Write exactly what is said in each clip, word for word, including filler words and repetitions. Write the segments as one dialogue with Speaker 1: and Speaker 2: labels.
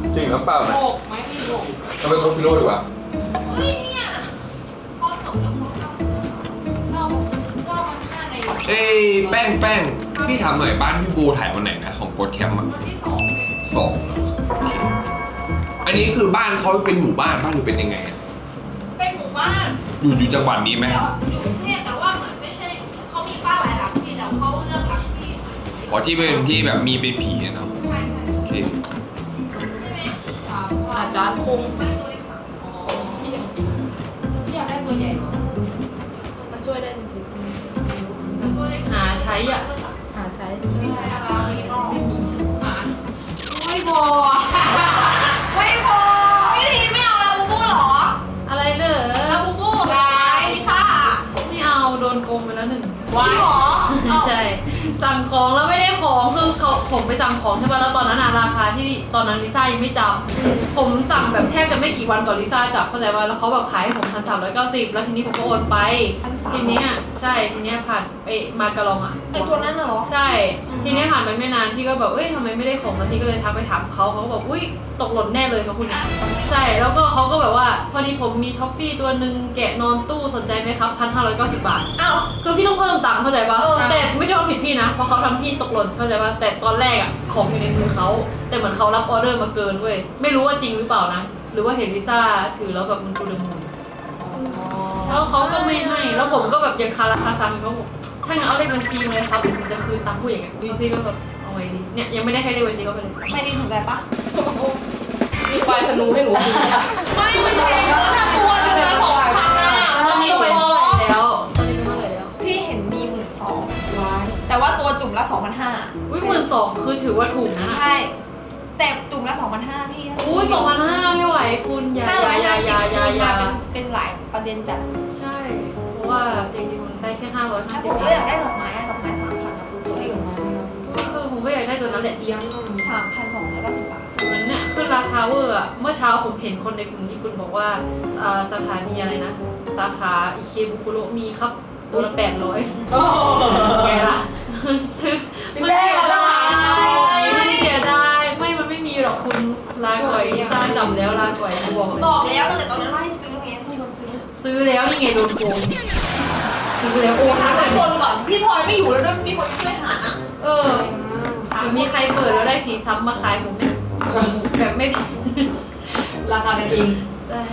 Speaker 1: จริงน้ำเปล่าไหม
Speaker 2: หกไหมพี่หก
Speaker 1: เอาไปโคฟิโร่ดีกว่า
Speaker 2: เฮ้ยเนี่ยพอจบแล้วก็ก็มันห้าใน
Speaker 1: เอ้ยแป้งแป้งพี่ถามหน่อยบ้านพี่บูถ่ายวันไหนนะของโกดแคมป์อ่ะ
Speaker 2: วันที่สอง
Speaker 1: สองโอเคอันนี้คือบ้านเขาเป็นหมู่บ้านบ้านหรือเป็นยังไงอะ
Speaker 2: เป็นหมู่บ้าน
Speaker 1: อยู่อยู่จังหวัดนี้ไหม
Speaker 2: อยู่กรุงเทพแต่ว่าเหมือนไม่ใช่เขามีบ้านหลายหลังที่แต่เขาเลือกหลังที่
Speaker 1: อ๋อที่เป็นที่แบบมีเป็นผีเนาะ
Speaker 2: ใช่ใช่
Speaker 1: โอเค
Speaker 2: ใช่ไหมสามอาจารย์คงไม่ตัวเลขสามอ๋อพี่อยากพี่อยากได้ตัวใหญ่หรอมันช่วยได้จริงๆใช่ไหมตัวเลขหาใช้อ่ะหาใช้ไม่ใช่อะไรนี่ก็ไม่มีหาไม่พอไม่พอพี่ทีไม่เอาลาบูบูหรออะไรเลยลาบูบูไงลิซ่าไม่เอาโดนโกงไปแล้วหนึ่งว้ายหรอใช่สั่งของแล้วไม่ได้ของคือเขาผมไปสั่งของใช่ป่ะแล้วตอนนั้นราคาที่ตอนนั้นลิซ่ายังไม่จับผมสั่งแบบแทบจะไม่กี่วันก่อนลิซ่าจับเข้าใจว่าแล้วเขาแบบขายให้ผมพันสามร้อยเก้าสิบแล้วทีนี้ผมก็โอนไปทีเนี้ยใช่ทีเนี้ยผ่านไปมากระลองอ่ะ
Speaker 3: ไอตัวนั้นน่ะเหรอ
Speaker 2: ใช่ทีนี้ผ่านไปไม่นานพี่ก็แบบเอ้ยทำไมไม่ได้ของแล้วพี่ก็เลยทักไปถามเขาเขาก็บอกอุ้ยตกหล่นแน่เลยเขาพูดอย่างนี้ใช่แล้วก็เขาก็แบบว่าพอดีผมมีท็อฟฟี่ตัวหนึ่งแกะนอนตู้สนใจไหมครับพันห้าร้อยเก้าสิบบาท
Speaker 3: อ้าว
Speaker 2: คือพี่ต้องเพิ่มตังค์เข้าใจปะแต่ไม่ใช่ว่าผิดพี่นะเพราะเขาทำพี่ตกหล่นเข้าใจปะแต่ตอนแรกอ่ะของอยู่ในมือเขาแต่เหมือนเขารับออเดอร์มาเกินเว้ยไม่รู้ว่าจริงหรือเปล่านะหรือว่าเห็นลิซ่าถือแล้วแบบมันกูเดมูนแล้วเขาก็ไม่ให้แล้วผมก็แบบยังคาราคาซังเขาบอกถ้างั้นเอาเลขบัญชีเลยครับผมจะคืนตังค์ผู้อย่างเงี้ยพี่ก็แบบเอาไว้ดีเนี่ยยังไม่ได้ให้เลขบัญชีเขาไปเลย
Speaker 3: ไม่ได้สนใจปะ
Speaker 2: มีไฟธนูให้หนูไม่ไม่ใช่ถ้าตัวหนึ่งละสองพันอ่ะตอนนี้ไปเท่าไหร่แล้ว
Speaker 3: ที่เห็นมีหมื่นสองแต่ว่าตัวจุ่มละสองพันห้า
Speaker 2: อุ้ยหมื่นสองคือถือว่าถูกนะ
Speaker 3: ใช่แต่จุ่มละสองพันห้าพี่
Speaker 2: อุ้ยสองพันห้าไม่ไหวคุณยายายายายายา
Speaker 3: เป็นหลายประเด็นจัด
Speaker 2: ใช่เพราะว่าจริงๆมันได้แค่ห้าร้อยห้าสิบ
Speaker 3: ผมก็อยากได้ดอกไม้ดอกไม้สามพันนะตัวเอง
Speaker 2: เออผมก็อยากได้ตัวนั้นแหละเดียว
Speaker 3: สามพันสองร้อยเก้าสิบบาท
Speaker 2: เหมือนเนี่ยขึ้นราคาเวอร์อะเมื่อเช้าผมเห็นคนในกลุ่มญี่ปุ่นบอกว่าสถานีอะไรนะสาขาอิเคบุคุโรมีครับตัวละแปดร้อยไงล่ะซื้อมันเสียดายมันเสียดายไม่มันไม่มีหรอกคุณลาก่อยสร้างจำแล้วลาก่อยบอก
Speaker 3: บอกแล้วตั้งแต่ตอนนั้นว่าให้ซื้อไงมีคนซื้อ
Speaker 2: ซื้อแล้วนี่ไงโดนโกงซื้อแล้วโอ้
Speaker 3: หาคนคนก่อนพี่พลอยไม่อยู่แล้วด้วยมีคนช่วยหานะ
Speaker 2: เออมีใครเปิดแล้วได้สีซ้ำมาขายผมเนี่ยแบบไม่
Speaker 3: ราคากันเอง
Speaker 2: ใช่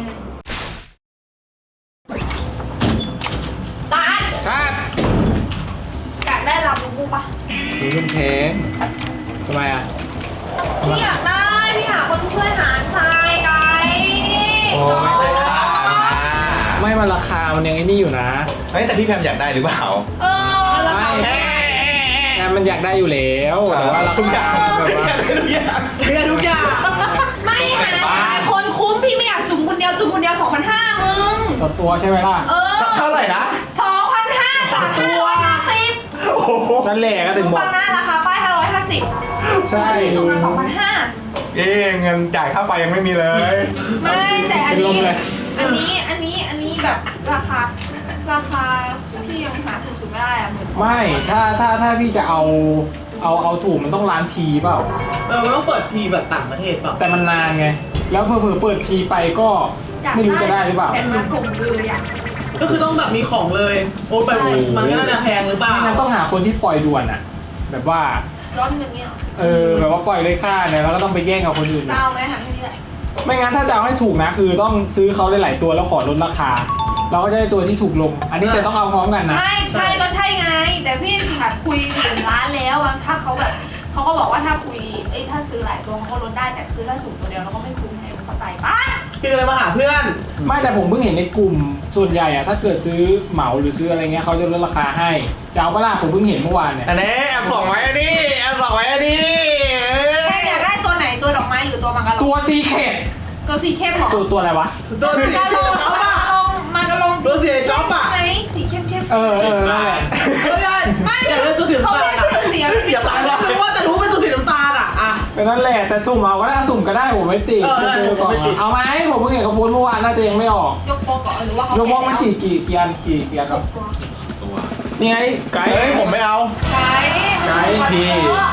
Speaker 3: ตา
Speaker 1: ครับ
Speaker 3: อยากได้ลาบูบูปะ
Speaker 1: ดูมันแพงทำไมอ่ะ
Speaker 3: พี่อยากได้พี่หาคนช่วยหาทรายไก
Speaker 4: โอ้ไม่ใช่ราคาไม่มันราคามันยังไอ้นี่อยู่นะ
Speaker 5: เฮ้ยแต่พี่แพมอยากได้หรือเปล่า
Speaker 3: เออ
Speaker 4: ไม่แพมมันอยากได้อยู่แล้วแต่ว่าราคาแบบว่า
Speaker 5: ทุกอย่าง
Speaker 3: เรียนทุกอย่างไม่หาคนคุ้มพี่ไม่อยากจุ่มคนเดียวจุ่มคนเดียวสองพันห้ามึง
Speaker 4: ต่อตัวใช่ไหมล่ะ
Speaker 3: เออ
Speaker 5: เท่าไหร่นะ
Speaker 3: สองพันห้าจากห้าร้อยห้าสิบ
Speaker 4: นั่นแหละก็ถึงบอก
Speaker 3: ฟังนะราคาป้ายห้าร้อยห้าสิบ
Speaker 4: ใช่
Speaker 3: จุ่มละสองพันห้า
Speaker 5: เอ๊เงินจ่ายค่าไฟยังไม่มีเลย
Speaker 3: ไม่แต่อันนี้อันนี้อันนี้อันนี้แบบราคาราคาที่ยังหาถูกสุดไม่ได้อะหมื่นสอง
Speaker 4: ไม่ถ้าถ้าถ้าพี่จะเอาเอาเอาถูกมันต้องร้านพีเปล่า
Speaker 6: เออมันต้องเปิดพีแบบต่างประเทศเปล่า
Speaker 4: แต่มันนานไงแล้วเผื่อเปิดพีไปก็ไม่รู้จะได้หรือเปล่า
Speaker 3: แต่มาส่งเลยอ่ะ
Speaker 6: ก็คือต้องแบบมีของเลยโอ้ไปมันก็น่าจะแพงหรือเปล่า
Speaker 4: งั้นต้องหาคนที่ปล่อยด่วนอ่ะแบบว่า
Speaker 3: ร้อนอย่างเงี้ย
Speaker 4: เออแบบว่าปล่อยเลยค่าเนี่ยแล้วก็ต้องไปแย่งกับคนอื่น
Speaker 3: จะเอาไหมคะที่นี่แหละ
Speaker 4: ไม่งั้นถ้าจะเอาให้ถูกนะคือต้องซื้อเขาได้หลายตัวแล้วขอลดราคาเราก็จะได้ตัวที่ถูกลงอันนี้จะต้องเอาพร้อมกันนะ
Speaker 3: ไม่ใช่ก็ใช่ไงแต่พี่หัดคุยถึงร้านแล้วถ้าเขาแบบเขาก็บอกว่าถ้าคุยเอ้ถ้าซื้อหลายตัวเขาก็ลดได้แต่ซื้อถ้าจุ่มตัวเดียวเราก็ไม่คุ้มให้เข้าใจปะ
Speaker 6: พี่ก็เลยมาหาเพื่อน
Speaker 4: ไม่แต่ผมเพิ่งเห็นในกลุ่มส่วนใหญ่อะถ้าเกิดซื้อเหมาหรือซื้ออะไรเงี้ยเขาจะลดราคาให้จะเอาเวลาผมเพิ่งเห็นเมื่อวานเนี่ย
Speaker 5: อันนี้แอบส่องไว้อันนี้แอบส่องไว้อันนี้
Speaker 3: แค่อยากได้ตัวไหนตัวดอกไม้หรือตัวมังกร
Speaker 4: ตัวซีเคท
Speaker 3: ตัวสีเข้มหรอ
Speaker 4: ตัวตัวอะไรวะ
Speaker 6: ตัวสี
Speaker 3: มังกรมังกรมังกร
Speaker 6: ตัวสีช็อปอะ
Speaker 3: ไหนสีเข้มเข้ม
Speaker 4: เออเออนั่นแหละ
Speaker 3: ไม่อยากได้ตัวสีน้ำตาล
Speaker 6: อย่าตายแล้วรู้ว่าแต่รู้เป็นตัวสีน้ำตาลอะอ่ะ
Speaker 4: เป็นนั่นแหละแต่สุ่มเอาก็ได้สุ่มก็ได้ผมไม่ติดเอาไหมผมเพิ่งเห็นเขาโพสเมื่อวานน่าจะยังไม่ออก
Speaker 3: ยกบล็อกหรือว่าเขา
Speaker 4: ยกบล็อกมันกี่กี่กี่อันกี่กี่อันครับ
Speaker 1: ตัว
Speaker 4: นี่ไง
Speaker 5: ไกด์ผมไม่เอา
Speaker 3: ไกด์
Speaker 5: ไกด์พี่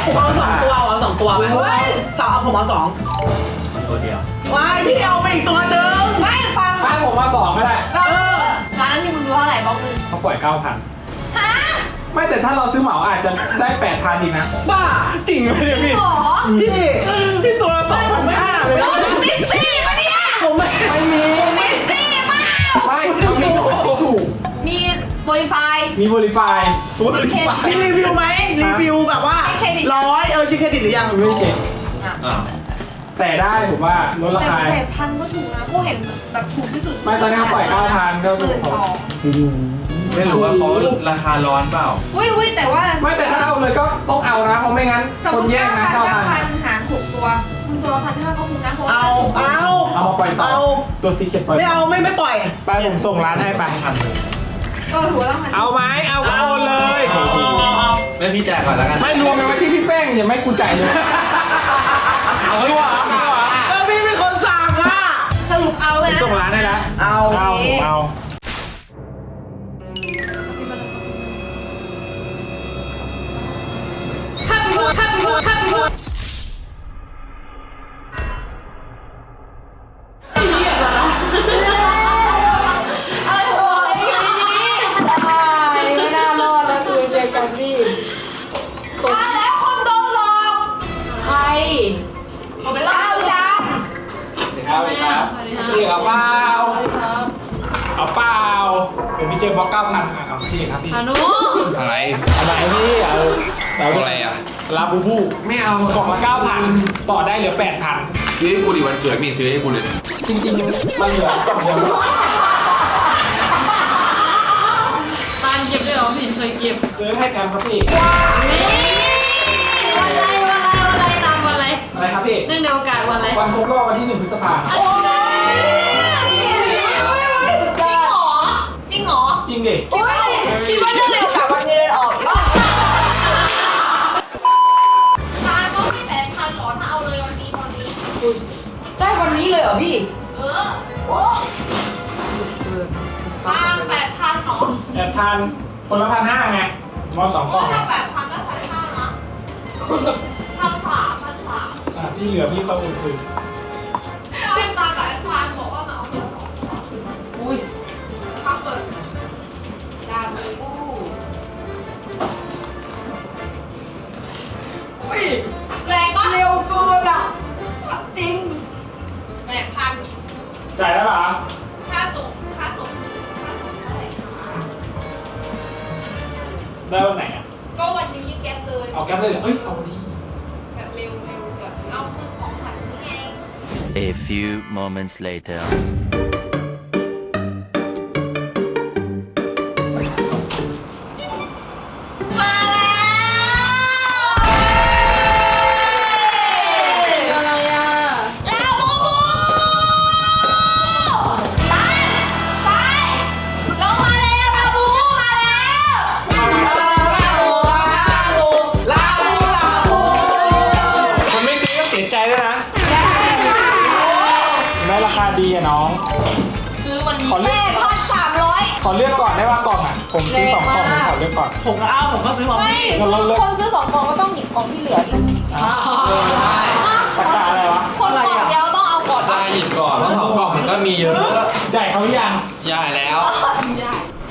Speaker 6: ผมเอาสองตัวเอาสองตัวไหมสองเอาผมเอาสอง
Speaker 5: ตัวเดียว
Speaker 6: ว้ายพี่เอาไปอีกตัวหนึ่ง
Speaker 3: ไม่ฟัง
Speaker 4: บ้านผมมาสองก็ได้
Speaker 3: เออร้านนี้มึงรู้เท่าไหร่บอกมึง
Speaker 4: เขาปล่อยเก้าพัน
Speaker 3: ฮะ
Speaker 4: ไม่แต่ถ้าเราซื้อเหมาอาจจะได้แปดพันอีกนะ
Speaker 6: บ้า
Speaker 5: จริงไหมเนี่ยพี่
Speaker 3: หรอ
Speaker 6: พี่พี่ตัวสองพันห้าเลยนะ
Speaker 3: มิดซี่ปะเนี่ย
Speaker 6: ผมไม่
Speaker 4: ไม่มี
Speaker 3: มิดซี่เปล่า
Speaker 4: ไม่เขามีถูก
Speaker 3: มีโปรไฟล์
Speaker 4: มีบริไฟ
Speaker 5: ฟุต
Speaker 6: มีรีวิวไหมรีวิวแบบว่าร้อยเออชิคเครดิตหรือยัง
Speaker 4: ไม่ได้เช็ค
Speaker 1: อ่า
Speaker 4: แต่ได้ผมว่าลดรา
Speaker 3: แต่
Speaker 4: คา
Speaker 3: แต่พันก็ถูกนะกูเห็นแบบถูกที่สุด
Speaker 4: ไม่ตอนนี้เขาปล่อยเก้าพันก็
Speaker 3: ห
Speaker 4: ถู
Speaker 3: มื่
Speaker 4: ก
Speaker 3: นสอง
Speaker 1: ไม่รู้ว่าเขาราคาร้อนเปล่า
Speaker 3: อุ้ยอุ้ยแต่ว่า
Speaker 4: ไม่แต่ถ้าเอาเลยก็ต้องเอานะเพราะไม่งั้น
Speaker 3: สม
Speaker 4: ค
Speaker 3: ม
Speaker 4: น
Speaker 3: ติ
Speaker 4: แย่งนะ
Speaker 3: เก้า
Speaker 4: เก้า
Speaker 3: พัน
Speaker 4: พัน
Speaker 3: เก้าพันหารหกตัวมึงตัวละพันห้าก็คุ้มนะเพราะว่า
Speaker 6: เอาเอา
Speaker 4: เอามาปล่อยต่อ
Speaker 6: เอา
Speaker 4: ตัวซีเก็ตปล่อย
Speaker 6: ไม่เอาไม่ไม่ปล่อย
Speaker 4: ไปผมส่งร้านให้ไป
Speaker 3: เออถูกแล้วพัน
Speaker 4: เอาไหมเอาก็โอนเลย
Speaker 1: ไม่พี่จ่ายก่อนแล้วกัน
Speaker 4: ไม่รวมกันไว้ที่พี่แป้งอย่าไม่กูจ่ายเลยเอาดีกว่าเอาดีกว่า
Speaker 6: เออพี่เป็นคนสั่งอ่ะ
Speaker 3: สรุปเอาเลยนะ
Speaker 4: ส่งร้านให้แล้ว
Speaker 6: เอา
Speaker 4: เอาผมเอา
Speaker 2: ข้ามไปหัวข้ามไปหัวข้ามไปหัวไม่น่ารอดแล้วคือเจอกันพี่
Speaker 3: มาแล้วคนโดนหลอก
Speaker 2: ใคร
Speaker 3: เอาไปล่าจ้า
Speaker 4: เดี๋ยวครับเดี๋ยวครับพี่เอาเปล่า
Speaker 2: ครับ
Speaker 4: เอาเปล่าเดี๋ยวพี่เจอบล็อกเก้าพันเอาพี่ครับพี่
Speaker 2: พานุ
Speaker 1: อะไร
Speaker 4: อะไรพี่เอาเอา
Speaker 1: อะไรอ่ะ
Speaker 4: ลาบูบู
Speaker 1: ไม่เอา
Speaker 4: กล่องละเก้าพันต่อได้เหลือแปดพัน
Speaker 1: ซื้อให้กูดิวันเกิดมีซื้อให้กูเลย
Speaker 4: จริงๆมันเหลือกล่องเดียว
Speaker 2: ตานเก็บได้เหรอไม่เห็นเคยเก็บ
Speaker 4: ซื้อให้แพมครับพี่
Speaker 2: นี่วันอะไรวันอะไรวันอะไรตามวันอะไร
Speaker 4: อะไรครับพี่
Speaker 2: เนื่องในโอกาสวันอะไร
Speaker 4: วันครบรอบวันที่หนึ่งพฤษภาคม
Speaker 3: โอ้ยจริงเหรอจริงเหรอ
Speaker 4: จริงดิ
Speaker 3: คิดว่าคิดว่าเรื่องเร็วกับวันเงินออกตาต้องมีแปดพันหรอถ้าเอาเลยวันนี้ตอนนี้
Speaker 2: ได้วันนี้เลยเหรอพี่
Speaker 3: เออโอ้ตาแปดพันหรอ
Speaker 4: แปดพันคนละพันห้าไงมอสองกล่องไง
Speaker 3: ถ้าแปดพันก็พันห้านะพันสามพันสาม
Speaker 4: อ่ะพี่เหลือพี่เขาอุ่นคืน
Speaker 3: เป็นตากับแอดพันบอกว่ามาเอาเงินสองอุ้ยถ้าเปิดดาบูบูอุ้ยแรงก็เร็วเกินอ่ะจริงแปดพัน
Speaker 4: จ่ายแล้วเหรอ
Speaker 3: ค่าส่งค่าส่งค่าส่งเท่าไหร่คะ
Speaker 4: ได้วันไหนอ่ะ
Speaker 3: ก็วันนี้แก๊ปเลย
Speaker 4: เอาแก๊ปเลยเหรอเอ้ยเอาวันนี้
Speaker 3: แบบเร็วเร็วแบบเอาคือของขวัญนี่ไง
Speaker 7: A few moments later.
Speaker 3: มาแล้ว
Speaker 2: อะไรอ่ะ
Speaker 3: ลาบูบูตายตายลงมาแล้วลาบูบูมาแล้วลาบูลาบูลาบูลาบู
Speaker 4: คนไม่ซื้อก็เสียใจด้วยนะได้ราคาดีอะน้อง
Speaker 3: ซื้อวันนี้
Speaker 4: ขอเลื
Speaker 3: แม่
Speaker 4: อก
Speaker 3: พันสามร้อย
Speaker 4: ขอเลือกก่อนได้ว่ากล่องอ่ะผมซื้อสองกล่องผมขอเลือกก่อน
Speaker 6: ผมก็เอาผมก็ซื้อมา
Speaker 3: ไม่
Speaker 6: พี่
Speaker 4: เราเลือก
Speaker 3: คนซื้อสองกล่องก็ต้องหยิบกล่องที่เหลือดิ
Speaker 4: ตะกร้าอะไรวะ
Speaker 3: คนกล่องเดียวต้องเอาก่อน
Speaker 1: ใช่หยิบก่อนเพราะสองกล่องมันก็มีเยอะ
Speaker 4: จ่ายเขาหรือยัง
Speaker 1: ย่ายแล้ว
Speaker 2: ได้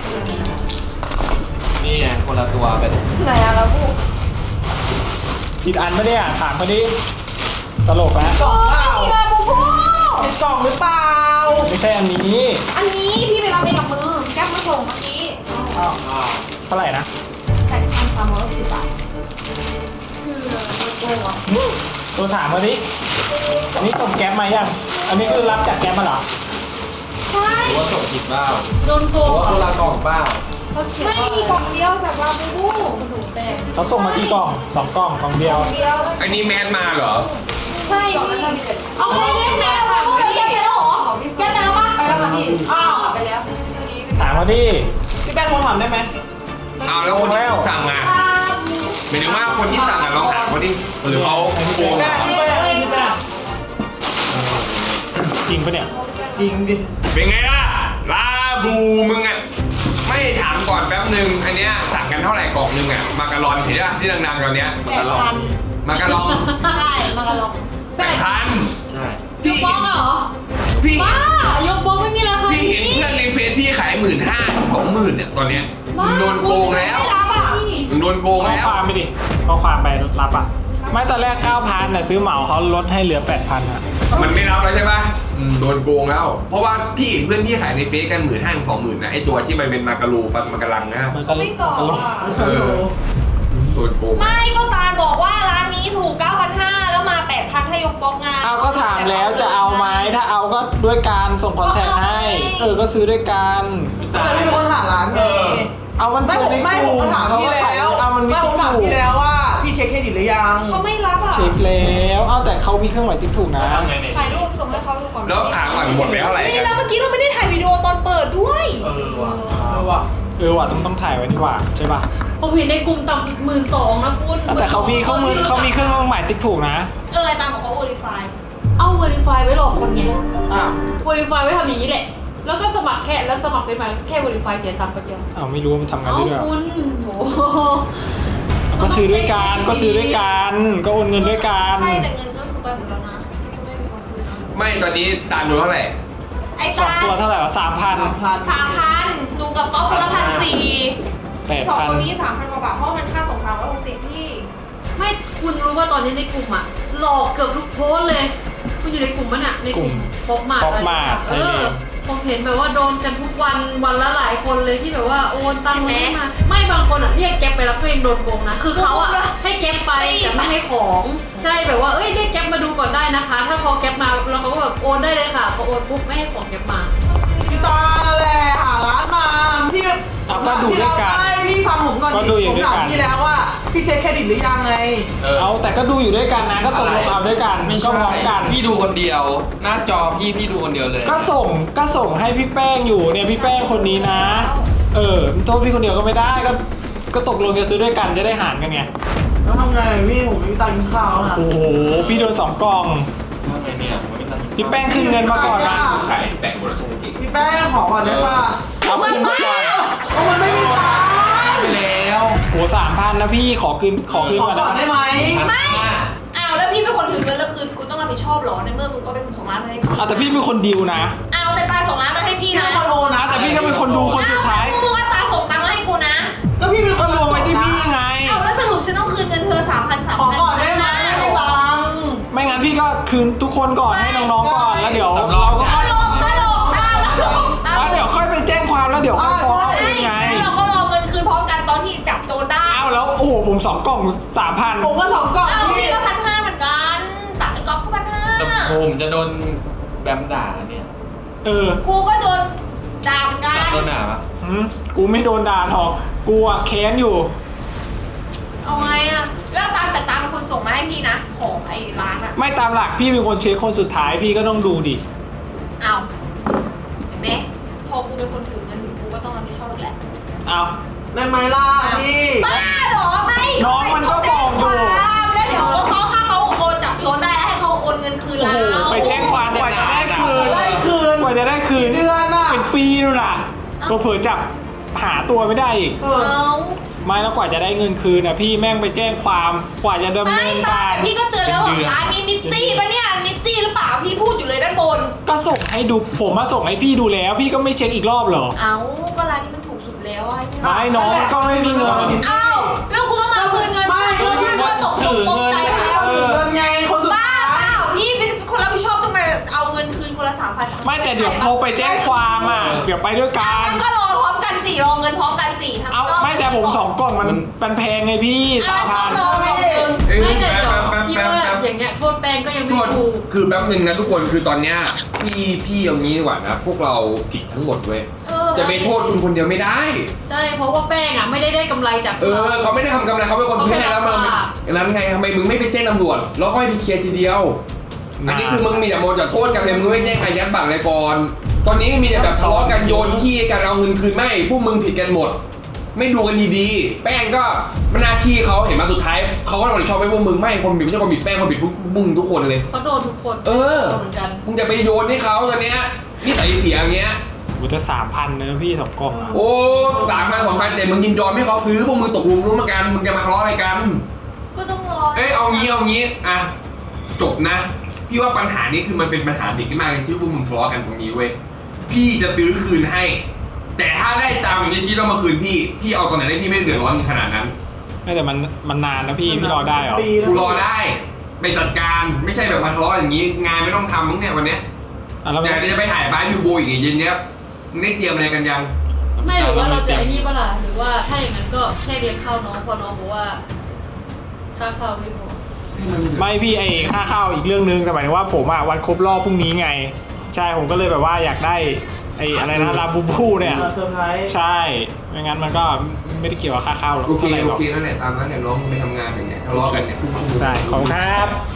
Speaker 1: นี่ไงคนละตัวเป็น
Speaker 3: ไหนอะลาบู
Speaker 4: ผิดอันไม่ได้อ่ะถามเขาดิตลกแล้ว
Speaker 3: กล่องเปล่าลาบูบู
Speaker 6: เป็นกล่องหรือเปล่า
Speaker 4: ไม่ใช่อันนี้
Speaker 3: อันนี้พี่ไปรับเองกับมือแก๊ปมาส่งเมื่อกี้
Speaker 4: เท่าไหร่นะ
Speaker 3: แปดพันสามร้อยสิบบาท
Speaker 4: ตัวถามมาดิอันนี้ส่งแก๊ปมายังอันนี้คือรับจากแก๊ปมาเหรอ
Speaker 3: ใช่
Speaker 1: หรือว่าส่งผิดเปล่า
Speaker 2: โดนโก
Speaker 1: หรือง ว่าคนละกล่องเปล่า
Speaker 2: เขาเขียน
Speaker 3: ไม่
Speaker 2: ว่า
Speaker 3: มีกล่องเดียวจากลาบูบู
Speaker 2: ถูกแป้ง
Speaker 4: เขาส่งมากี่กล่องสองกล่องกล่องเดียว
Speaker 3: เดียว
Speaker 1: อันนี้แมสมาเหรอ
Speaker 3: ใช่พี่เอาไปเล่นแมวลาบูแก๊ปไปแล้วเหรอแก๊ปไปแล้วปะ
Speaker 2: ไปแล้วค่ะพี่อ้าวไปแล้ว
Speaker 4: ถามมาดิ
Speaker 6: พี่แป้งโทรถามได้ไหม
Speaker 1: เอาแล้วคนที่สั่งอ่ะ
Speaker 3: ลาบู
Speaker 1: หมายถึงว่าคนที่สั่งอ่ะลองถามเขาดิหรือเขาโกง
Speaker 6: แป้ง
Speaker 1: อ่ะ
Speaker 6: พี่แป้งพี่แป้ง
Speaker 4: จริงปะเนี่ย
Speaker 6: จริงดิ
Speaker 1: เป็นไงล่ะ ลาบูมึงอ่ะ ไไม่ถามก่อนแป๊บนึงอันเนี้ยสั่งกันเท่าไหร่กล่องนึงอ่ะมาการอนเห็นป่ะที่ดังๆตอนเนี้ย
Speaker 3: แปดพัน
Speaker 1: มาการอน
Speaker 3: ใช่มากระลอง
Speaker 1: แปดพัน
Speaker 5: ใช่
Speaker 2: ยกบล็อกอะเหรอ
Speaker 1: พี่
Speaker 2: บ้ายกบล็อกไม่มีราคา
Speaker 1: พี่เห็นเพื่อนในเฟซพี่ขายหมื่นห้าสองหมื่นเนี่ยตอนเนี้ยมึงโดนโกงแล้ว
Speaker 3: ไม่รับอ่ะ
Speaker 1: มึงโดนโกง
Speaker 4: ข้อ
Speaker 1: แล้ว
Speaker 4: ความไปดิข้อความไปรับอ่ะไม่ตอนแรกเก้าพันแต่ซื้อเหมาเขาลดให้เหลือแปดพันอ่ะ
Speaker 1: มันไม่รับแล้วใช่ป่ะอืมโดนโกงแล้ว เพราะว่าพี่เห็นเพื่อนพี่ขายในเฟซกันหมื่นห้าสองหมื่นนะไอตัวที่มันเป็นมาการูปะมากระลังนะ
Speaker 4: มันก็
Speaker 3: ไม่ก่อนอ่ะ
Speaker 1: เออโดนโกง
Speaker 3: ไม่ก็ตาลบอกว่าร้านนี้ถูก เก้าพันห้าร้อย แล้วมา แปดพัน ให้ยกบล็อกงาน
Speaker 4: เอาก็ถามแล้วจะเอาไหมถ้าเอาก็ด้วยการส่งคอนแทคให้ เออก็ซื้อด้วยกัน
Speaker 6: แต่ไม่รู้คนถามร้านไง
Speaker 4: เอามัน
Speaker 6: ไม่
Speaker 4: เจ
Speaker 6: ผ
Speaker 4: อ
Speaker 6: ม
Speaker 4: ใน
Speaker 6: ไม่
Speaker 4: ก
Speaker 6: ผ
Speaker 4: ลุ่
Speaker 6: ม
Speaker 4: ม
Speaker 6: ก็ถาม
Speaker 4: เขา
Speaker 6: พี่
Speaker 4: ก็ขาย
Speaker 6: แล้ว
Speaker 4: เอามันมี
Speaker 6: ไม่ผมถาม
Speaker 4: ถูก
Speaker 6: พี่แล้วว่าพี่เช็คเครดิตหรือยัง
Speaker 3: เขาไม่รับอ่ะ
Speaker 4: เช็คแล้วเอาแต่เขามีเครื่องหมายติ๊กถูกนะ
Speaker 5: ทำไงเนี่ย
Speaker 3: ถ่ายรูปส่งให้เขาดูก่อน
Speaker 1: แล้วถามก่อนหมดไปเท่าไหร่
Speaker 3: นี่
Speaker 1: กั
Speaker 3: แล้ว
Speaker 1: น
Speaker 3: เมื่อกี้เราไม่ได้ถ่ายวิดีโอตอนเปิดด้วย
Speaker 5: เออว่ะ
Speaker 6: เออว่ะ
Speaker 4: เออว่ะต้องต้องถ่ายไว้นี่หว่าใช่ป่ะ
Speaker 2: ผมเห็นในกลุ่มต่ำสุดหมื่นสองนะคุณ
Speaker 4: แต่เขามีเขามือเขามีเครื่องหมายติ๊กถูกนะ
Speaker 3: เออตามบอกเขา verify
Speaker 2: เอา verify ไว้หลอกคนไง
Speaker 4: อ้าว
Speaker 2: verify ไว้ทำอย่างนี้แหละ แล้วก็สมัครแค่แล้วสมัครเป็นมาแค่ verify เสียตังค์ไปเดียว
Speaker 4: อ้าวไม่รู้ว่ามันทำงาน
Speaker 2: เอ้า
Speaker 4: ได้ด้วยเหรอ
Speaker 2: คุณโห
Speaker 4: ก็ซื้อด้วยกันก็ซื้อด้วยกันก็โอนเงินด้วยกัน
Speaker 3: ใช่แต่เงินก็คือไปหมดแล้วนะไม่มีคนซื้อนะ
Speaker 1: ไม่ตอนนี้ตามดูเท่าไหร่
Speaker 3: ไอ้
Speaker 4: สอง
Speaker 3: ตา
Speaker 4: ตัวเท่าไหร่วะสามพัน
Speaker 6: สามพัน
Speaker 3: สามพันหนูกับก๊อฟคนละพันสี่
Speaker 4: แปด
Speaker 3: สอง
Speaker 4: พัน
Speaker 3: คนนี้สามพันกว่าบาทเพราะมันค่าส่งสามร้อยหกสิบพี่
Speaker 2: ไม่คุณรู้ว่าตอนนี้ในกลุ่มอะหลอกเกือบทุกโพสต์เลยคุณอยู่ในกลุ่มมันอะในกลุ่มป๊อปมาร์ท
Speaker 4: ป๊อปมาร์ท
Speaker 2: เออผมเห็นแบบว่าโดนกันทุกวันวันละหลายคนเลยที่แบบว่าโอนตังค์มาให้มาไม่บางคนอะเรียกแก๊ปไปรับตัวเองโดนโกงนะคือเขาอะให้แก๊ปไปแต่ไม่ให้ของใช่แบบว่าเอ้ยเรียกแก๊ปมาดูก่อนได้นะคะ ถ้าพอแก๊ปมาแล้วเขาก็แบบโอนได้เลยค่ะพอโอนปุ๊บไม่ให้ของแก๊ปมา
Speaker 6: พี่ตานั่นแหละหาร้านมาพี่
Speaker 4: เอาก็ดูด้วยกัน
Speaker 6: ไม่พี่ฟังผมก่อน
Speaker 4: ก็ดูอยู่
Speaker 6: ผม
Speaker 4: ด้วย
Speaker 6: ถาม
Speaker 4: กัน
Speaker 6: พี่แล้วว่าพี่เช็คเครดิตหรือยังไง
Speaker 4: เอาแต่ก็ดูอยู่ด้วยกันนะก็ตกลงเอาด้วยกัน
Speaker 1: ไม่
Speaker 4: ก็
Speaker 1: ใช่
Speaker 4: พร้อมกัน
Speaker 1: พี่ดูคนเดียว หน้าจอพี่พี่ดูคนเดียวเลย
Speaker 4: ก็ส่งก็ส่งให้พี่แป้งอยู่เนี่ยพี่แป้งคนนี้นะ เออโทษพี่คนเดียวก็ไม่ได้ก็ก็ตกลงจะซื้อด้วยกันจะได้หารกันไง
Speaker 6: แล้วทำไงพี่ผมไม่มีตังค์กินข้าวนะ
Speaker 4: โอ้โหพี่โดนสองกล่อง
Speaker 5: ทำไงเนี่ยผมไม่ตังค์
Speaker 4: พี่แป้งคืนเงินมาก่อนนะ
Speaker 1: ขายแบ่งบริษัทจริง
Speaker 6: พี่แป้งขอก่อนได้ป่ะ
Speaker 4: เอาคืนมาก่อน
Speaker 6: เพราะมันไม่มีตังค์
Speaker 1: ไปแล้ว
Speaker 4: โหสามพันนะพี่ขอคืนขอคืน
Speaker 6: ขอ
Speaker 4: ก่อน
Speaker 6: ก่อน
Speaker 4: นะ
Speaker 6: ได้ไหม
Speaker 3: ไม่อ้าวแล้วพี่เป็นคนถือเงินแล้วคือกูต้องรับผิดชอบเหรอในเมื่อมึงก็เป็นคนส่งร้านมาให้พี่
Speaker 4: เอาแต่พี่เป็นคนดีลนะ
Speaker 3: อ้าวแต่ตาส่งร้านมาให้พี่
Speaker 6: พี่
Speaker 3: นะ
Speaker 6: เป็นคนโอนนะ
Speaker 4: แต่พี่ก็เป็นคนดูคนสุดท้าย
Speaker 3: อ้วมึงว่าตาส่งตังค์มาให้กูนะ
Speaker 6: ก็พี่เป็นค
Speaker 4: ก็
Speaker 6: น
Speaker 4: รวมไว้ที่พี่ไง
Speaker 3: อ้าวแล้วสรุปฉันต้องคืนเงินเธอสามพันสาม
Speaker 6: ขอ
Speaker 3: พัน
Speaker 6: ก่อนได้ไหมไม่มีตังค์
Speaker 4: ไม่งั้นพี่ก็คืนทุกคนก่อนให้น้องๆก่อนแล้วเดี๋ยวเราก็
Speaker 3: ตลกตลกตาตลกตา
Speaker 4: แล้วเดี๋ยวค่อยไปแจ้งความแล้วเดี๋ยวค่อยฟ้องเอาเองไง
Speaker 3: แล้วเราก็รอเงินคืนพร้อมกันตอนที่จับโจรได้
Speaker 4: อ้าวแล้วโอ้โหผมสองกล่องสามพัน
Speaker 6: ผมก็สองกล่อง
Speaker 3: อ้าว
Speaker 6: พี่
Speaker 3: พี่ก็พันห้าเหมือนกันตักไอ้ก๊อฟก็พันห้า
Speaker 5: แต่ผมจะโดนแบมด่าเนี่ย
Speaker 4: เออ
Speaker 3: กูก็โดนด่าเหมือนกัน
Speaker 5: โดนด่าปะ
Speaker 4: หืมกูไม่โดนด่าหรอกกูอะแค้นอยู่
Speaker 3: เอาไงอะแล้วตามแต่ตามเป็นคนส่งมาให้พี่นะของไอ้ร้านอะ
Speaker 4: ไม่ตามหลักพี่เป็นคนเช็คคนสุดท้ายพี่ก็ต้องดูดิ
Speaker 3: เอาเห็นไหมพอกูเป็นคนถือเงินถึงกูก็ต้องรับผิดชอบแหละ
Speaker 4: เอา
Speaker 6: ได้ไหมล่ะพี่
Speaker 3: บ้าเหรอไม่
Speaker 4: น้องมันก็บอกอยู่
Speaker 3: แล้วเดี๋ยวเขาถ้าเขาโอนจับโจรได้แล้วให้เขาโอนเงินคืน
Speaker 4: โอ้
Speaker 3: เรา
Speaker 4: โหไปแจ้งความกว่าจะได้คืน
Speaker 6: ได้คืน
Speaker 4: กว่าจะได้คืน
Speaker 6: เดือนน่ะ
Speaker 4: เป็นปีนู่นน่ะก็เผื่อจับหาตัวไม่ได้อีก
Speaker 6: เอ
Speaker 3: เอา
Speaker 6: อ
Speaker 4: ไม่แล้วกว่าจะได้เงินคืนอ่ะพี่แม่งไปแจ้งความกว่าจะดำ
Speaker 3: ไม่
Speaker 4: เนิน
Speaker 3: ตา
Speaker 4: การ
Speaker 3: แต่พี่ก็เตือนแล้วว่าร้านนี้มิตจี้ปะเนี่ยมิตจี้หรือเปล่าพี่พูดอยู่เลยด้านบน
Speaker 4: ก็ส่งให้ดูผมมาส่งให้พี่ดูแล้ว พี่ก็ไม่เช็คอีกรอบเหรอ
Speaker 3: เอาก็ร้านนี้มันถูกสุดแล้วอะ
Speaker 4: ไม่น้องก็ไม่มีเงิน
Speaker 3: เอ้าแล้วกูต้องมาคืนเงิน
Speaker 6: ไม่
Speaker 3: เงินพี่ก็ตกตกตกใจแล้ว
Speaker 6: ถือเงินไงคนสุด
Speaker 3: บ้า
Speaker 6: ท้าย
Speaker 3: เปล่าพี่เป็นคนรับผิดชอบต้องมาเอาเงินคืนคนละสามพัน
Speaker 4: ไม่แต่เดี๋ยวโทรไปแจ้งความอ่ะเดี๋ยวไปด้วยกัน
Speaker 3: ก็รอพร้อมกันสี่รอเงินพร้อมกันสี่ทำ
Speaker 4: เอาไม่แต่ผมสองกล่องมันมันแพงไงพี่สามพัน
Speaker 3: รอก่อน
Speaker 1: เอ้ย
Speaker 2: ไม่แต่
Speaker 1: แป๊บ
Speaker 2: เดี๋ยว
Speaker 1: แป๊บ
Speaker 2: พี่
Speaker 1: แป๊บ
Speaker 2: ว่า
Speaker 1: แป๊บ
Speaker 2: อย่างเงี้ยโทษแป้งก็ยัง
Speaker 1: ทุ
Speaker 2: ไม่
Speaker 1: กคน
Speaker 2: ถูก
Speaker 1: คือแป๊บนึงนะทุกคนคือตอนเนี้ยพี่พี่เอางี้ดีกว่านะพวกเราผิดทั้งหมดเว้ย
Speaker 3: เออ
Speaker 1: จะไปโทษคุณคนเดียวไม่ได้
Speaker 2: ใช่เพราะว่าแป้งอ่ะไม่ได้ได้กำไรจาก
Speaker 1: เออเขาไม่ได้ทำกำไรเขาเป็นคนพื้นไงแล้วมันนั้นไงทำไมมึงไม่ไปแจ้งตำรวจแล้วค่อยไปเคลียร์ทีเดียว อันนี้คือมึงมีแต่โมจะโทษกันเลยมึงไม่แจ้งอายัดบัตรเลยก่อนตอนนี้มีแต่แบบทะเลาะกันโยนขี้กันเอาเงินคืนไม่พวกมึงผิดกันหมด ไม่ดูกันดีๆแป้งก็มันหน้าที่เขาเห็นมาสุดท้ายเขาก็รับผิดชอบไปพวกมึงไม่คนผิดไม่ใช่คนผิดแป้งคนผิดพวกมึงทุกคนเลย
Speaker 2: เขาโดนทุกคน
Speaker 1: เออ
Speaker 2: โดนเหมือนกัน
Speaker 1: มึงจะไปโยนให้เขาตอนเนี้ยนี่ใส่เสียอย่างเงี้ย
Speaker 4: กูจะสามพันเนอะพี่สองกล่องอะ
Speaker 1: โอ้สามพันสองพันแต่มึงยินยอมให้เขาซื้อพวกมึงตกลงร่วมกันมึงจะมาทะเลาะอะไรกัน
Speaker 3: ก็ต้องรอ
Speaker 1: เอ้ยเอางี้เอางี้อ่ะจบนะพี่ว่าปัญหานี้คือมันเป็นปัญหาเด็กมากเลยที่พวกมึงทะเลาะกันตรงนี้เว้ยพี่จะซื้อคืนให้ แต่ถ้าได้ตามอย่างที่ชี้ต้องมาคืนพี่พี่เอาตอนไหนได้พี่ไม่เดือดร้อนขนาดนั้น
Speaker 4: ไม่แต่มันมันนานนะพี่พี่รอได้เหรอ
Speaker 6: ปีแล้ว
Speaker 1: กูรอได้ไปจัดการไม่ใช่แบบมาทะเลาะอย่างนี้ งานไม่ต้องทำมั้งเนี่ยวันเนี้ย
Speaker 4: อ่ะแล้ว
Speaker 1: แต่เดี๋ยวจะไปถ่ายบ้านยูโบอีกเย็นเนี้ยมึงได้เตรียมอะไรกันยัง
Speaker 2: ไม่หรือว่าเราจะไอ้นี่ปะล่ะหรือว่าถ้าอย่างนั้นก็แค่เลี้ยงข้าวน้องพอน้องบอกว่าค่าข้าวไม่พอ
Speaker 4: ไม่พี่ไอค่าข้าวอีกเรื่องนึงแต่หมายถึงว่าผมอะวันครบรอบพรุ่งนี้ไง ใช่ผมก็เลยแบบว่าอยากได้ไออะไรนะลาบูบูเนี่ย
Speaker 6: เซอร์ไพรส์
Speaker 4: ใช่ไม่งั้นมันก็ไม่ได้เกี่ยวกับค่าข้าวหรอก
Speaker 1: โอเค
Speaker 4: ท่าไหร่ห
Speaker 1: โอ
Speaker 4: รอก
Speaker 1: เคนั่นแหละตามนั้นเนี่ยน้องไปทำงานอย่างเงี้ยทะเลาะกันเนี่ย
Speaker 4: ได้ขอบคุณครับ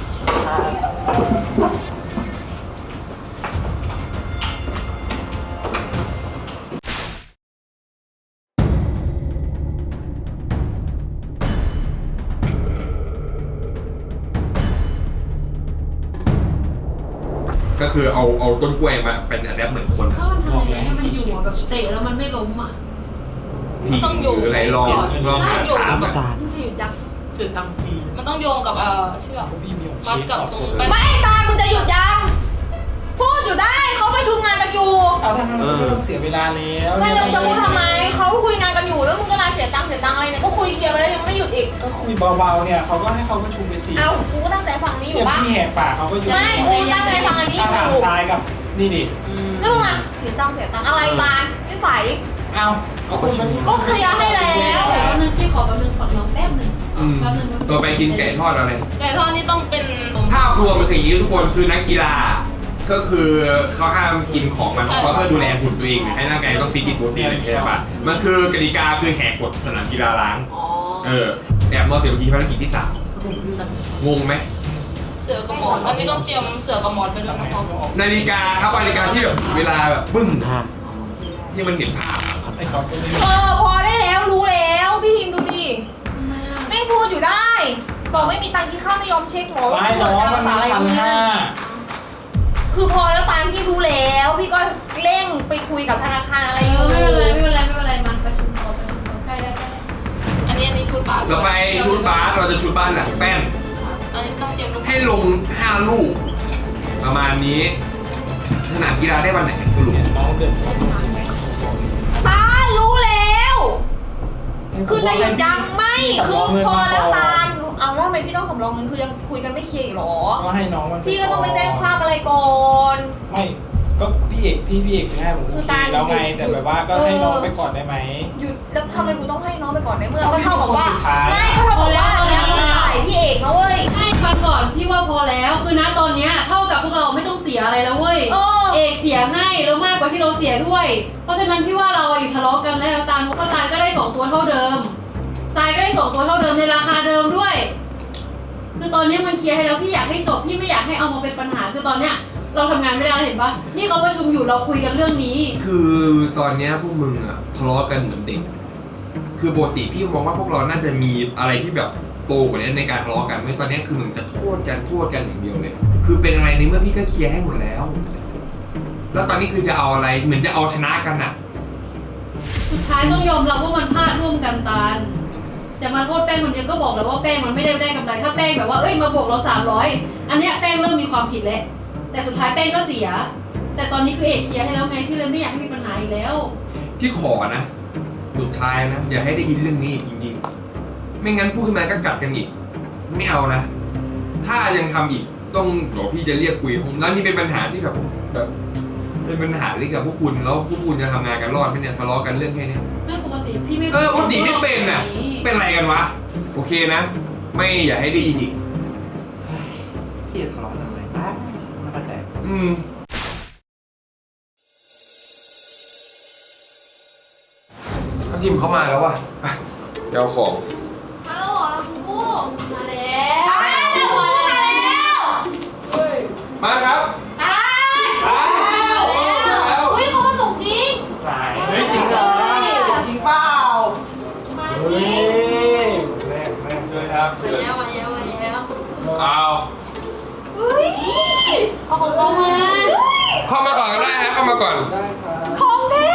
Speaker 1: ก็คือเอาเอาต้นกล้วยมาเป็นอะแดปเหมือนคน
Speaker 2: ถ้ามันทำยังไงให้มันอยู่อะแบบเตะแล้วมันไม่ล้มอ่ะ
Speaker 1: ผีหรืออะไรลองลองหาถามอะ
Speaker 2: มันจะหยุดยักษ์
Speaker 6: เสียตังค์ฟรี
Speaker 8: มันต้องโยงกับเอ่อเชือก
Speaker 4: พี่มีของ
Speaker 8: มัดกับตรงไป
Speaker 3: ไม่ตามึงจะหยุดยังพูดอยู่ได้เขาประชุมงานกันอยู่
Speaker 4: เอาทางนั้นไม่ต้องเสียเวลาแล้ว
Speaker 3: ไม่แล้วมึงจะพูดทำไมเขาคุยงานกันอยู่แล้วมึงจะมาเสียตังค์เสียตังค์อะไรเนี่ยก็คุยเคลียร์ไปแล้วยังไม่หยุดอีก
Speaker 4: ก็คุยเบาๆเนี่ยเขาก็ให้เขาประชุมไปสิ
Speaker 3: เอ้ากูก็ตั้งใจฟังนี้อ
Speaker 4: เนี่
Speaker 3: ยู่
Speaker 4: ย
Speaker 3: ปะ
Speaker 4: พี่แหกปากเขาก็ยุ่ง
Speaker 3: ไม่กูตั้งใจฟังอันนี้อ
Speaker 4: ถ้าถาม
Speaker 3: ยู่
Speaker 4: ทรายกับนี่ดิ
Speaker 3: แล้วมึงอ่ะเสียตังค์เสียตังค์อะไรตานิสัย
Speaker 4: เอาเอาคนมานี่
Speaker 3: ก็เคลียร์ให้แล้ว
Speaker 2: เดี๋ยวแป๊บนึงพี่ขอแป๊บนึงขอน้องแป๊บนึง
Speaker 1: อืม
Speaker 2: แป๊บนึง
Speaker 1: ตัวไปกินไก่ทอดอะไร
Speaker 8: ไก่ทอดนี่ต้องเป็น
Speaker 1: ภาพรวมมันคืออย่างนี้ทุกคนคือนักกีฬา ก็คือเขาห้ามกินของมันเพราะเพื่อดูแลหุ่นตัวเองให้ร่างกายต้องฟิตโปรตีนอะไรอย่างเงี้ยใช่ปะมันคือกติกาคือแหกกฎสนามกีฬาล้าง
Speaker 8: อ๋อ
Speaker 1: เออแอบนอนเสียทีภารกิจที่สามงงไหม
Speaker 8: เสือกับหมอนอันนี้ต้องเตรียมเสือกับหมอนไปด้วยนะครับ
Speaker 1: นาฬิกาครับนาฬิกาที่แบบเวลาแบบปึ้งที่มันเห็นภาพ
Speaker 4: ไอ้ก๊อฟก็ไม่
Speaker 3: เออพอได้แล้วรู้แล้วพี่ทิมดูดิไม่พูดอยู่ได้บอกไม่มีตังค์กินข้าวไม่ยอมเช็คหรอ
Speaker 4: ไม่น้องมัน
Speaker 3: ภาษาอะไร
Speaker 4: พัน
Speaker 3: พวกเนี้ย
Speaker 4: ห้า
Speaker 3: คือพอแล้วตามพี่รู้แล้ว พี่ก็เร่งไปคุยกับธนาคารอะไร
Speaker 2: เอ
Speaker 3: อยู่
Speaker 2: อไม่เป็นไรไม่เป็นไรไม่เป็นไรมันประชุมต่อประชุมต่อใกล้ได้ใกล้
Speaker 8: อันนี้อันนี้ชุดบาส
Speaker 1: เราไปชุดบาสเราจะชุดบ้านหนักแป้น
Speaker 8: อันนี้ต้องเตรียมลูก
Speaker 1: ให้ลงห้าลูก ประมาณนี้สนามกีฬาได้วันไหนสรุป
Speaker 4: น้องเดิน
Speaker 3: ตารู้แล้ว คือจะหยุดยังไม่คือพอแล้วตาลเอาแล้วทำไมพี่ต้องสำรองเงินคือยังคุยกันไม่เคลียร์อีกหรอ
Speaker 4: ก็ให้น้องมัน
Speaker 3: พี่ก็ต้องไปแจ้งความอะไรก่อน
Speaker 4: ไม่ก็พี่เอกที่พี่เอกให้ผม
Speaker 3: คือ
Speaker 4: โอเค
Speaker 3: ตา
Speaker 4: แล้วไง
Speaker 3: หยุด
Speaker 4: แต่แบบว่าก็ให้น้องไปก่อนได้ไหม
Speaker 3: หยุดแล้วทำไมกูต้องให้น้องไปก่อนในเมื่อก็เท่ากับว่า
Speaker 4: คนสุดท้าย
Speaker 3: ไม่ก็เท่ากับว่าเนี่ยมึงถ่ายพี่เอกนะเว้ย
Speaker 2: ให้ฟังก่อนพี่ว่าพอแล้วคือณตอนเนี้ยเท่ากับพวกเราไม่ต้องเสียอะไรแล้วเว้ย
Speaker 3: เออ
Speaker 2: เอกเสียให้แล้วมากกว่าที่เราเสียด้วย เพราะฉะนั้นพี่ว่าเราอยู่ทะเลาะกันได้แล้วตาลเพราะว่าตาลก็ได้สองตัวเท่าเดิมทรายก็ได้สองตัวเท่าเดิมในราคาเดิมด้วย คือตอนนี้มันเคลียร์ให้แล้วพี่อยากให้จบพี่ไม่อยากให้เอามาเป็นปัญหาคือตอนเนี้ยเราทำงานไม่ได้เห็นปะนี่เขาประชุมอยู่เราคุยกันเรื่องนี้
Speaker 1: คือตอนเนี้ยพวกมึงอะทะเลาะกันเหมือนเด็ก คือปกติพี่มองว่าพวกเราน่าจะมีอะไรที่แบบโตกว่านี้ในการทะเลาะกันเมื่อตอนเนี้ยคือเหมือนจะโทษกันโทษกันอย่างเดียวเลย คือเป็นอะไรในเมื่อพี่ก็เคลียร์ให้หมดแล้ว แล้วตอนนี้คือจะเอาอะไรเหมือนจะเอาชนะกันอะ
Speaker 2: สุดท้ายต้องยอมรับว่ามันพลาดร่วมกันตาลแต่มาโทษแป้งคนเดียวก็บอกแล้วว่าแป้งมันไม่ได้ได้กำไรถ้าแป้งแบบว่าเอ้ยมาบวกเราสามร้อยอันเนี้ยแป้งเริ่มมีความผิดแล้วแต่สุดท้ายแป้งก็เสีย แต่ตอนนี้คือเอกเคลียร์ให้แล้วไงพี่เลยไม่อยากให้มีปัญหาอีกแล้ว
Speaker 1: พี่ขอนะ สุดท้ายนะอย่าให้ได้ยินเรื่องนี้อีกจริงๆ ไม่งั้นพูดขึ้นมาก็กัดกันอีก ไม่เอานะ ถ้ายังทำอีกต้องเดี๋ยวพี่จะเรียกคุยผมแล้วนี่เป็นปัญหาที่แบบแบบเป็นปัญหาที่กับพวกคุณแล้วพวกคุณจะทำงานกันรอดไหมเนี่ยทะเลาะกันเรื่องแค่เนี้ย
Speaker 2: ไม่ปกติพี่ไม่
Speaker 1: เออปกติไม่เป็นน่ะ เป็นอะไรกันวะ โอเคนะ ไม่อย่าให้ได้ยินอีก
Speaker 6: พี่ทะเลาะกันอะไรบ้างไม่เข้าใจ
Speaker 1: อืมเขาจิมเขามาแล้วว่ะไปเดี๋ยวเอาของ
Speaker 3: มาแล้วเหรอเราคือผู้
Speaker 2: มาแล้ว
Speaker 3: ตายแล้วมาแล้ว
Speaker 1: มาครับ
Speaker 3: ตาย
Speaker 1: อ้าวแล้ว
Speaker 3: อุ้ยเขามาส่งจริง
Speaker 4: สายเฮ้ยจริงเหรอ
Speaker 6: จริงเปล่า
Speaker 3: มาจ
Speaker 4: เฮ้
Speaker 3: ริ
Speaker 4: ย
Speaker 3: ง
Speaker 4: แม่แม่ช่วยครับ
Speaker 2: มาแล้วมาแล้วมาแล้ว
Speaker 1: เอา
Speaker 3: เฮ้ย
Speaker 2: เอาของเรามา
Speaker 1: เข้ามาก่อนก็ได้ฮะเข้ามาก่อน
Speaker 4: ได้ครับ
Speaker 3: ของแท้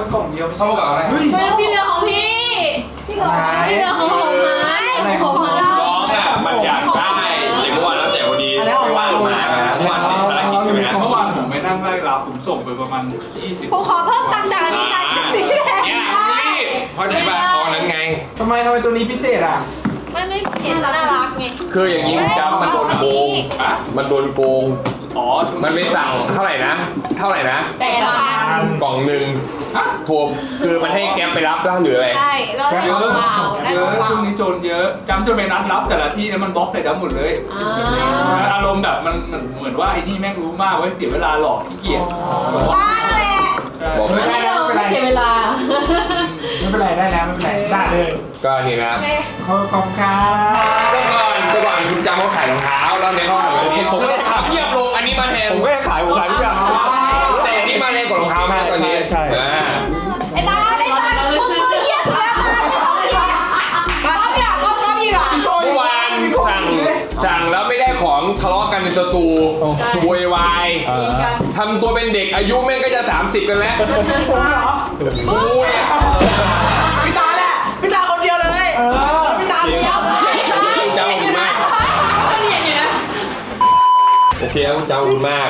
Speaker 4: มันกล่องเดียวไม่ใช่
Speaker 1: เข้ากับอะไร
Speaker 2: ไม่ที่เหลือของพี่ที่เหลือที่เหลือของผมนะของผมนะ
Speaker 5: น้องอ่ะมันอยากได้แต่เมื่อวานแล้วแต่พอดีไม่ว่างมาเมื่อวานติดภารกิจใช่ไหมฮะ
Speaker 4: เมื่อวานผมไปนั่งไล่รับผมส่งไปประมาณยี่สิบ
Speaker 3: ผมขอเพิ่มตังค์จากนี้การนี้แหละ
Speaker 1: เนี่ยรีบเข้าใจป่ะตอนนั้นไง
Speaker 4: ทำไมทำไมตัวนี้พิเศษอ่ะ
Speaker 3: ไม่ไม่เห็นน่ารักไง
Speaker 1: คืออย่างนี้จำมันโดนโกง
Speaker 4: อ่ะ
Speaker 1: มันโดนโกง
Speaker 4: อ๋อช่วง
Speaker 1: มันไปสั่งเท่าไหร่นะ เท่าไหร่นะ
Speaker 3: แปดพัน
Speaker 1: กล่องหนึ่งโทรคือมันให้แก๊ปไปรับแล้วหรืออะไร
Speaker 3: ใช่ก็ได้ของเปล่าได้
Speaker 4: เย
Speaker 3: ขอ
Speaker 4: อะ
Speaker 3: งเปล่า
Speaker 4: ช่วงนี้โจรเยอะจำจนไปนัดรับแต่ละที่นั้นมันบล็อกใส่จำหมดเลย
Speaker 2: อ่า
Speaker 4: อารมณ์แบบมันเหมือนเหมือนว่าไอ้ที่แม่งรู้มากเว้ยเสียเวลาหลอกขี้เกียจ
Speaker 3: บ้าแหละ
Speaker 4: ใช่
Speaker 1: บอก
Speaker 2: ไม่
Speaker 1: ไม่
Speaker 2: ได้ไม่เสียเวลา
Speaker 4: ไม่เป็นไรได้แล้วไม่เป็นไรได้เลย
Speaker 1: ก็นี่นะ
Speaker 4: ขอบคุณครับ
Speaker 1: เมื่อก่อนเมื่อก่อนคุณจำเขาขายรองเท้าแล้วในห้องแบบนี้ผมก็เลยถามเยียบลงอันนี้มาแทน
Speaker 4: ผมก็ขายผมขายทุกอย่าง
Speaker 1: แต่อันนี้มาแรงกว่ารองเท้ามากตอนนี้
Speaker 4: ใช่ใช่
Speaker 1: อ่า
Speaker 3: ไอ้ตาไอ้ตามึงมือเหี้ยสุดแล้วตาไม่ต้องเหี้ยก๊อฟอยากก๊อฟก๊อฟอีกอ่ะ
Speaker 1: เมื่อวานสั่งสั่งแล้วไม่ได้ของทะเลาะกันในสตูโวยวายทำตัวเป็นเด็กอายุแม่งก็จะสามสิบกันแล้วกูเนี่ย
Speaker 6: พี่ตาแหละพี่ตาคนเดียวเลยเออพี่ตาคนเดียว
Speaker 1: เจ้าคุณมาก
Speaker 2: เรียนอยู่นะ
Speaker 1: โอเคครับเจ้าคุณมาก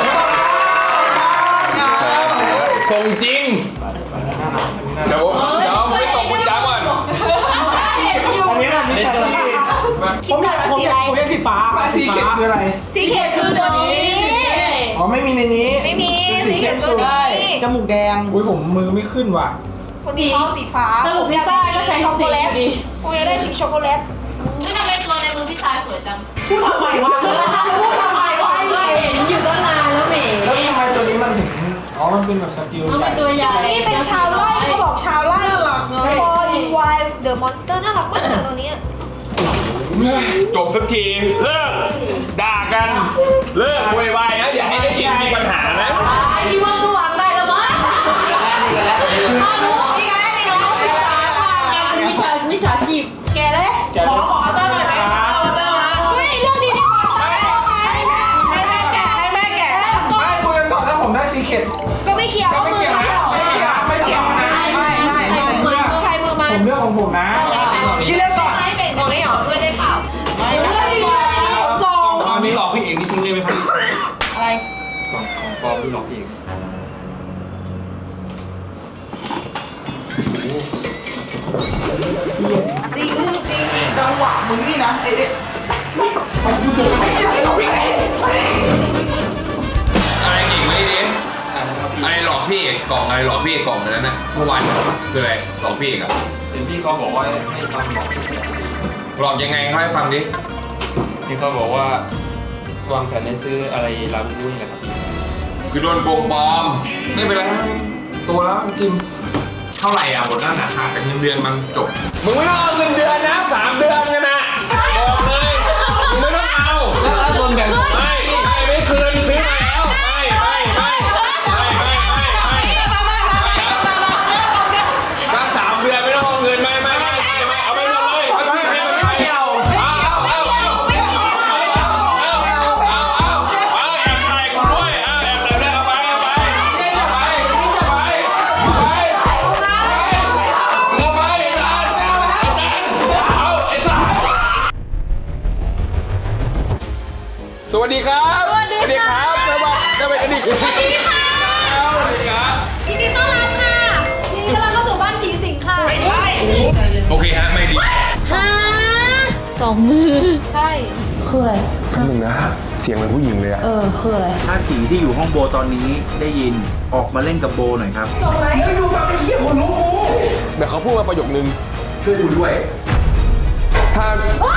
Speaker 1: ส่งจริงเดี๋ยวเดี๋ยวผมไปส่งคุณจ้าก่อน
Speaker 4: อันนี้นะมิชาชี
Speaker 3: คิดก่อนว่าสีอะไร
Speaker 4: ผมเรียกสีฟ้าสีเขียวคืออะไร
Speaker 3: สีเขียวคือตัวนี้
Speaker 4: อ๋อไม่มีในนี้
Speaker 3: ไม่มี
Speaker 4: สี
Speaker 3: สี
Speaker 4: เข้
Speaker 3: เขียว
Speaker 4: ม
Speaker 3: ตั
Speaker 4: สุ
Speaker 3: ว
Speaker 4: ด
Speaker 3: นี้
Speaker 6: จมูกแดง
Speaker 4: อุ้ยผมมือไม่ขึ้นว่ะ
Speaker 3: คนที่ชอบสีฟ้า
Speaker 2: สรุปพิซซ่าก็ใช้
Speaker 3: ช็อกโก
Speaker 2: สี
Speaker 3: แลต
Speaker 2: ดี
Speaker 3: ผมอยากได้สีช็อกโกแลต
Speaker 8: ไม่ทำไมตัวในมือพี่ชายสวยจัง
Speaker 6: พูดทำไมวะพูดทำไมวะ
Speaker 2: ก็เห็นอยู่ตั้งนานแล้วเหม่
Speaker 4: แล้วทำไมตัวนี้มันถึงอ๋อมันเป็นแบบสกิล
Speaker 2: เอา
Speaker 4: ให
Speaker 2: เป็
Speaker 4: ญ่
Speaker 2: นตัวใหญ่
Speaker 3: นี่เป็นชาวไร่เขาบอกชาวไร่พออินไวเดอะมอนสเตอร์น่ารักมากเลยตัวนี้
Speaker 1: จบสักทีเลิกด่ากันเลิกโวยวายนะอย่าให้ได้ยินมีปัญหานะ
Speaker 2: ไอ้ที่ว่าก็วางได้แล้วมั้ง
Speaker 3: นี่ไงนี่น้อง
Speaker 2: มิจฉามิจฉาชีพ
Speaker 3: แกเลย
Speaker 6: ขอขอเตอร์หน่อยไหมขอเตอร์มา
Speaker 3: เฮ้ยเรื่องนี้ดีกว่า
Speaker 6: ให้แม่แกะให้แม่แกะ
Speaker 4: ไม่คุยกันก่อนถ้าผมได้ซีเค็ด
Speaker 3: ก็ไม่เกี่ยว
Speaker 4: ก็ไม่เกี่ยวนะไม่เกี่ยวไม่เกี่ยวนะ
Speaker 6: ไม่ไม่ไม่
Speaker 3: ใครมือมา
Speaker 4: ผมเลือกของผมนะ
Speaker 6: พี่เลือกก่อน
Speaker 3: ไม่เป็นไม่หรอด้วยได้เปล่า
Speaker 6: ไม่ไม่สอง
Speaker 9: ความนี้หลอกพี่เอกนี่ทิ้งได้ไหมครับ
Speaker 6: อะไร
Speaker 9: กล่องของปลอมที่หลอกพี่เอก
Speaker 6: จริงจริงจังหวะมึงนี่นะไอ้เด็กไม่ใช่หรอกพี่เอก
Speaker 1: อะไรอีกไหมดิอะไรหลอกพี่เอกกล่องอะไรหลอกพี่เอกกล่องนั้นนะเมื่อวานคืออะไรหลอกพี่เอกอะ
Speaker 5: เห็นพี่เขาบอกว่าให้ฟังหลอก
Speaker 1: หลอกยังไงเล่าให้ฟังดิ
Speaker 5: พี่เขาบอกว่าวางแผนให้ซื้ออะไรลาบูบูนี่แหละครับพี่
Speaker 1: คือโดนโกงปลอมไม่เป็นไรตัวแล้วจริงเท่าไหร่อ่ะหมดแล้วนะหักเป็นเงินเดือนมันจบมึงไม่ต้องเอาเงินเดือนนะสามเดือนกันนะบอกเลยมึงไม่ต้องเอา
Speaker 9: แล้วโดนแบ่ง
Speaker 1: ไม่ไม่ไม่คืนซื้อมาแล้วไม่ไม่ไม่ไม่ไม่ไม่ไม่ถ้าสามเดือนไม่ต้องเอาเงินไม่ไม่ไม่ไม่ไม่เอาไปหมดเลยไม่ไม่ไม่เอาเอาเอาเอาเอาเอาเอาเอาแอบถ่ายกูด้วยเอาแอบถ่ายด้วยเอาไปเอาไปเอาไปเอาไปเอาไปเอาไปไอ้ตาลไอ้ตาลเอาไอ้สัสสวัสดีครับสวัสดีครับสวัสดีสวัสดีสวัสดีค่ะสวัสดีครับ
Speaker 3: ยินดีต้อนรับค่ะยินดีต้อนรับเข้าสู่บ้านผีสิงค่ะไม่ใช่
Speaker 1: โอเคฮะไม่ดี
Speaker 2: ฮะสองมือ
Speaker 3: ใช่
Speaker 2: คืออะไร
Speaker 1: หนึ่งนะเสียงเหมือนผู้หญิงเลยอะ
Speaker 2: เออคืออะไร
Speaker 10: ถ้าผีที่อยู่ห้องโบตอนนี้ได้ยินออกมาเล่นกับโบหน่อยครับ
Speaker 1: เดี๋ยวเขาพูดมาประโยคนึงช่วยคุณด้วย ถ้า